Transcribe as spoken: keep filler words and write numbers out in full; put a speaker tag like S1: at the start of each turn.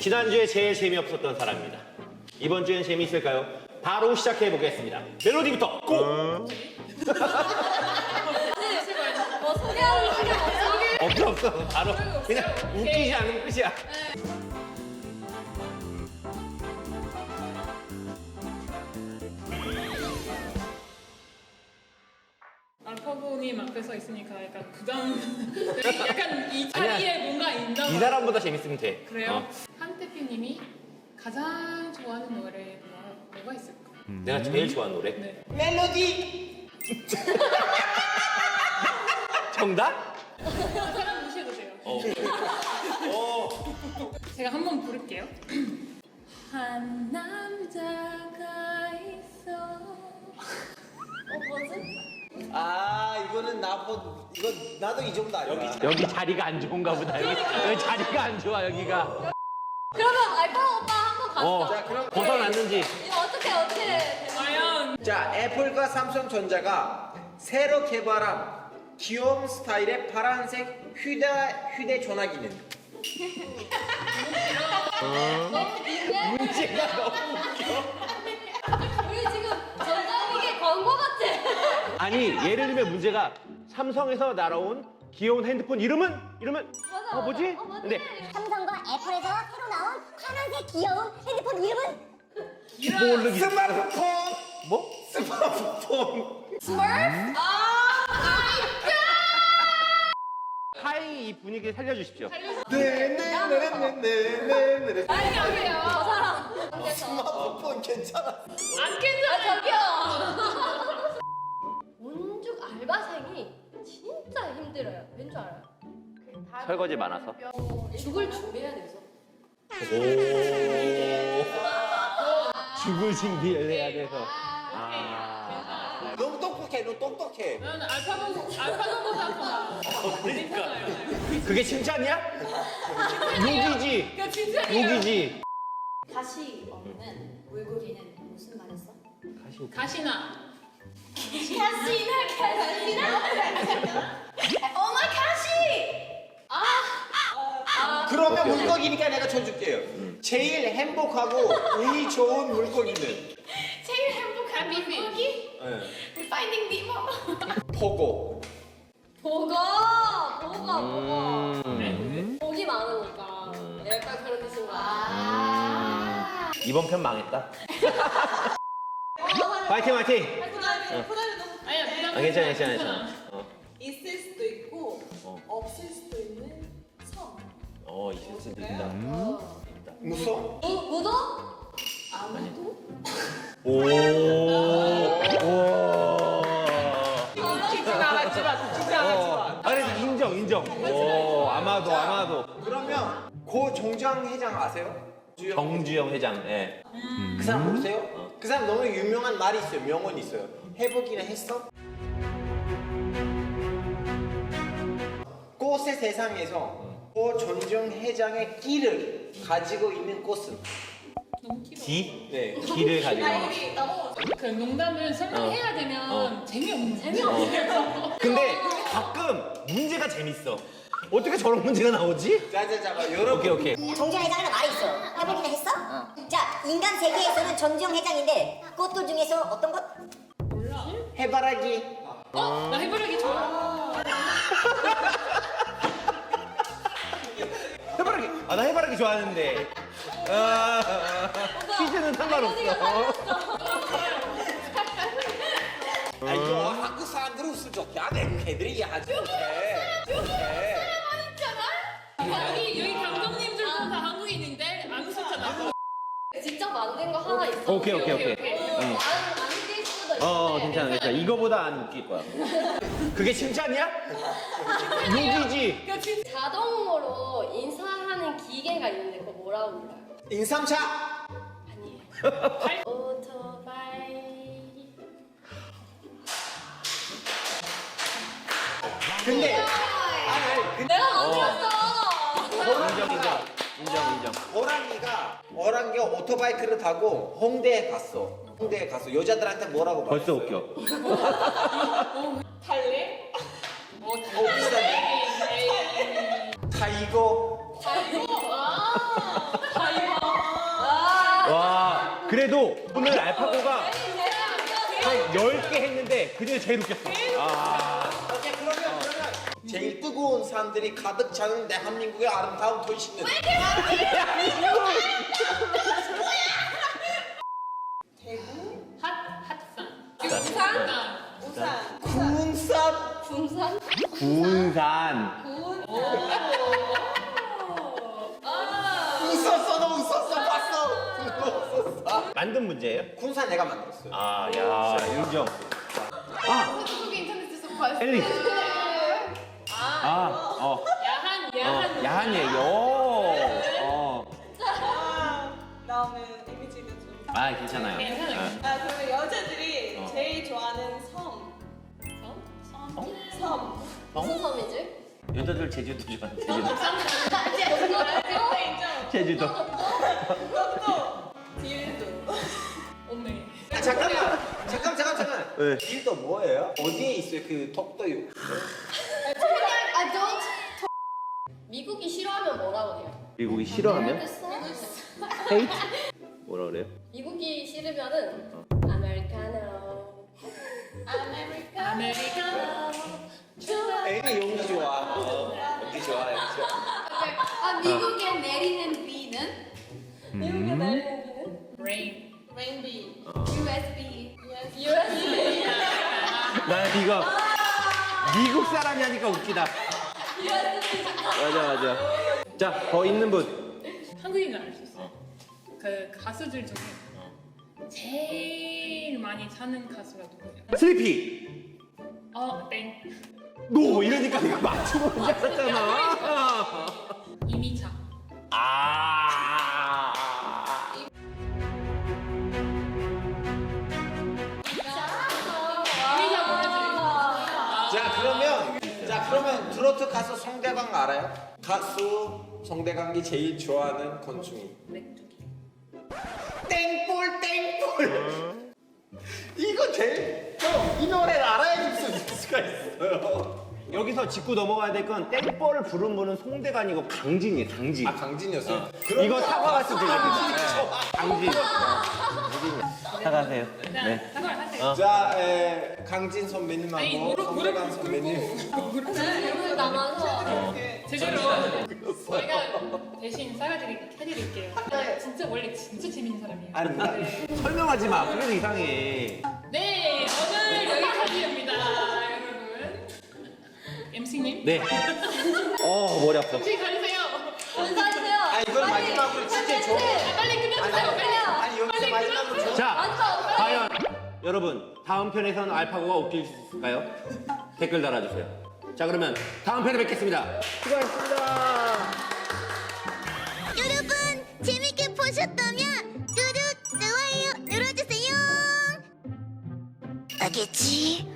S1: 지난주에 제일 재미없었던 사람입니다. 이번 주엔 재미있을까요? 바로 시작해 보겠습니다. 멜로디부터 고!
S2: 뭐 소개하는 시간 없어?
S1: 없어 없어. 바로 그냥 웃기지 않으면 끝이야.
S3: 알파고님 앞에서 있으니까 약간 부담. 약간 이 자리에 뭔가 있나
S1: 이
S3: 봐.
S1: 사람보다 재밌으면 돼.
S3: 그래요?
S1: 어.
S3: 한태표님이 가장 좋아하는 노래가 뭐가 있을까?
S1: 내가 제일 좋아하는 노래.
S3: 네.
S4: 멜로디.
S1: 정답?
S3: 사람 무시해도 돼요.
S1: 어. 어.
S3: 제가 한번 부를게요. 한 남자가 있어.
S2: 어 뭐지?
S4: 아 이거는 나보 이거 나도 이 정도 알아.
S1: 여기 여기 자리가 안 좋은가 보다. 여기, 여기 자리가 안 좋아 여기가.
S2: 그러면 알파 오빠 한번 갑시다.
S1: 어.
S4: 자 그럼
S1: 벗어났는지.
S2: 이거 어떻게 어떻게?
S3: 과연
S4: 자 애플과 삼성전자가 새로 개발한 귀여운 스타일의 파란색 휴대 휴대전화기는
S2: 너무 긴데?
S1: 문제가 너무 웃겨.
S2: 우리 지금 전자기기 광고 같아.
S1: 아니 예를 들면 문제가 삼성에서 날아온 귀여운 핸드폰 이름은 이름은
S2: 맞아,
S1: 어 뭐지?
S2: 맞아. 어, 뭐지?
S1: 근데
S5: 삼성과 애플에서 새로 나온 파란색 귀여운 핸드폰 이름은
S1: 모르기.
S4: 스마트폰
S1: 뭐?
S4: 스마트폰
S2: 스머프? 아,
S1: 하이 이 분위기 살려주십시오.
S4: 네네네네네네
S2: 아니 여기요. 저 사람.
S4: 스마트폰 괜찮아.
S3: 안 괜찮아.
S2: 아 저기요. 온죽 알바생이 진짜 힘들어요. 왠 줄 알아요?
S1: 설거지 많아서.
S2: 죽을 준비해야 돼서.
S1: 오. 죽을 준비를 해야 돼서. 아.
S4: 너무 똑똑해, 너 똑똑해.
S3: 나는 알파고 알파고보다 더
S1: 그러니까. 그게 칭찬이야? 욕이지.
S3: 그러니까 칭찬이에요.
S1: 욕이지.
S2: 가시 없는 물고기는 무슨 말했어?
S1: 가시.
S3: 가시나.
S2: 가시나 가시나? 어머 가시! 아,
S4: 그러면 물고기니까 내가 쳐줄게요. 제일 행복하고 운이 좋은 물고기는
S3: 제일 행복한 물고기?
S4: 네.
S3: Finding Nemo.
S4: 보고.
S2: 보고 보고
S1: 음.
S2: 보고 복이 많으니까 약간 그런 뜻인 거야. 아.
S1: 이번 편 망했다. 파이팅 파이팅.
S3: 아니야 부담.
S1: 아, 괜찮아 괜찮아 괜찮아. 어.
S6: 있을 수도 있고
S1: 어.
S6: 없을 수도 있는 섬.
S1: 어 있을 수도 있다.
S2: 어.
S4: 무서워?
S2: 무 무도?
S6: 아무도
S1: 오. 오.
S4: 웃기진 않았지만, 웃기진 않았지만.
S1: 아 그래도 인정 인정. 오 아마도 아마도.
S4: 그러면 고 정장 회장 아세요?
S1: 정주영 회장. 예.
S4: 그 사람 모르세요? 그 사람 너무 유명한 말이 있어요. 명언이 있어요. 해보기는 했어? 꽃의 세상에서 고 전정 회장의 끼를 가지고 있는 꽃은?
S3: 너무 길어.
S1: 기
S4: 네.
S1: 기를 가지고. 있는.
S6: 우리 넘어가.
S3: 그 농담을 설명해야
S1: 어.
S3: 되면
S1: 어.
S3: 재미없는
S1: 어. 근데 가끔 문제가 재밌어. 어떻게 저런 문제가 나오지?
S4: 자자자가 여러분.
S1: 오케이 오케이.
S5: 정지영 회장은 말이 있어. 해보기는 했어? 자, 인간 세계에서는 정지영 회장인데 꽃들 중에서 어떤 것?
S4: 해바라기.
S3: 어? 나 해바라기 좋아.
S1: 해바라기. 아 나 해바라기 좋아하는데. 아, 퀴즈는 상관없어.
S4: 아 이거 한국 사람들은 웃을 적이 안 해. 걔들이 이해하지 못해. 못해.
S3: 여기 여기 감독님들도 다 한국인인데 안 웃었잖아.
S2: 직접 만든 거 하나 있어.
S1: 오케이 오케이 오케이.
S2: 어,
S1: 응.
S2: 안 안될 수도 있어.
S1: 어 괜찮아 괜찮아. 이거보다 안 웃길 거야. 그게 칭찬이야? 욕이지.
S3: 그러니까 진짜
S2: 자동으로 인사하는 기계가 있는데 그거 뭐라고 불러요?
S4: 인삼차.
S2: 아니에요. 오토바이.
S4: 근데 아니 아니 근데
S2: 내가 만들었어.
S1: 인정 인정 인정 인정.
S4: 호랑이가 호랑이가 오토바이크를 타고 홍대에 갔어. 홍대에 갔어. 여자들한테 뭐라고
S1: 벌써
S4: 말했어요?
S1: 웃겨.
S3: 달래? 어
S4: 어 비슷하네.
S3: 달래.
S4: 타이거.
S3: 아, 다이거.
S1: 그래도 오늘 알파고가 한 열 개 했는데 그중에 제일 웃겼어. 아.
S4: 오케이, 그러면 그러면 제일 뜨거운 사람들이 가득 차는 대한민국의 아름다운 도시는
S6: 대구,
S3: 핫 핫산.
S2: 부산?
S6: 우산,
S4: 군산.
S2: 군산?
S1: 군산.
S6: 군,
S4: 웃었어, 너 웃었어, 봤어. 웃었어.
S1: 만든 문제예요?
S4: 군산 내가 만들었어요.
S1: 아, 야, 인정. 아,
S2: 한국의 인터넷에서 봤을
S1: 엘리.
S2: 때.
S1: 아, 어,
S3: 야한
S1: 어,
S3: 야한.
S1: 야한 얘기. 오, 어.
S6: 아, 다음에 이미지가 좀.
S1: 아, 괜찮아요.
S3: 괜찮아요.
S6: 아, 그러면 여자들이
S1: 어.
S6: 제일 좋아하는 섬.
S3: 섬?
S1: 어?
S6: 섬.
S2: 무슨 섬이지?
S1: 여자들 제주도 좋아해. 제주도.
S6: 그거 인정.
S1: 제주도.
S6: 그것도 딜도.
S3: 어메.
S4: 아, 잠깐만, 잠깐, 잠깐, 잠깐.
S1: 왜?
S4: 길도 뭐예요? 어디에 있어요? 그 독도요.
S2: 아, don't. 미국이 싫어하면 뭐라고 해요?
S1: 미국이 싫어하면? 헤이트? 뭐라 그래요?
S2: 미국이 싫으면은 아메리카노. 아메리카노.
S3: 아메리카노. 좋아.
S4: 애는 용기 좋아. 어, 용기 좋아, 용기 좋아.
S2: 아, 미국에 내리는 비는? 미국에 내리는 비는?
S3: 레인.
S6: 레인비.
S2: 유에스비. 유에스비.
S1: 나 이거 미국 사람이 하니까 웃기다. 맞아, 맞아. 자, 더 있는 분.
S3: 한국인은 알 수 있어. 그 가수들 중에 제일 많이 사는 가수가 누구예요?
S1: 슬리피.
S3: 어, 땡.
S1: 너 이러니까 내가 맞추고 줄 알았잖아.
S3: 이미차.
S1: 아.
S3: 이미차 모르지?
S4: 자, 그러면, 자, 그러면 트로트 가수 송대강 알아요? 가수 송대강이 제일 좋아하는 곤충이.
S3: 메뚜기.
S4: 땡볼, 땡볼. 이거 제일, 형, 이 노래를 알아야지 무슨 뉴스가 있어요.
S1: 여기서 짚고 넘어가야 될 건 땡벌을 부른 분은 송대가 아니고 강진이에요. 강진.
S4: 아, 강진이었어요?
S1: 어. 이거 사과 같은 들려주세요. 강진. 사과하세요.
S3: 네. 사과를 하세요.
S4: 자, 에, 강진
S3: 아니,
S4: 선배님하고
S3: 무릎,
S4: 송대강
S3: 무릎
S4: 선배님.
S3: 꿇고. 무릎
S2: 물을 남아서.
S3: 제대로 저희가 대신 싸가지게 해드릴게요. 진짜 원래 진짜 재밌는 사람이에요.
S1: 아닙니다.
S3: 네.
S1: 설명하지 마. 그래도 이상해.
S3: 네, 오늘 여기까지입니다, 여러분. 엠씨님.
S1: 네. 어, 머리 아파.
S3: 혹시 가리세요.
S2: 감사하세요.
S4: 아, 이건 마지막으로 진짜 좋은
S3: 아, 빨리 끝내주세요. 빨리.
S4: 아니, 여기서
S3: 빨리
S4: 마지막으로
S3: 끝내주세요.
S4: 좋은
S1: 자, 과연 여러분 다음 편에서는 알파고가 웃길 수 있을까요? 댓글 달아주세요. 자, 그러면 다음 편에 뵙겠습니다. 수고하셨습니다.
S5: 여러분 재밌게 보셨다면 구독, 좋아요 눌러주세요. 알겠지?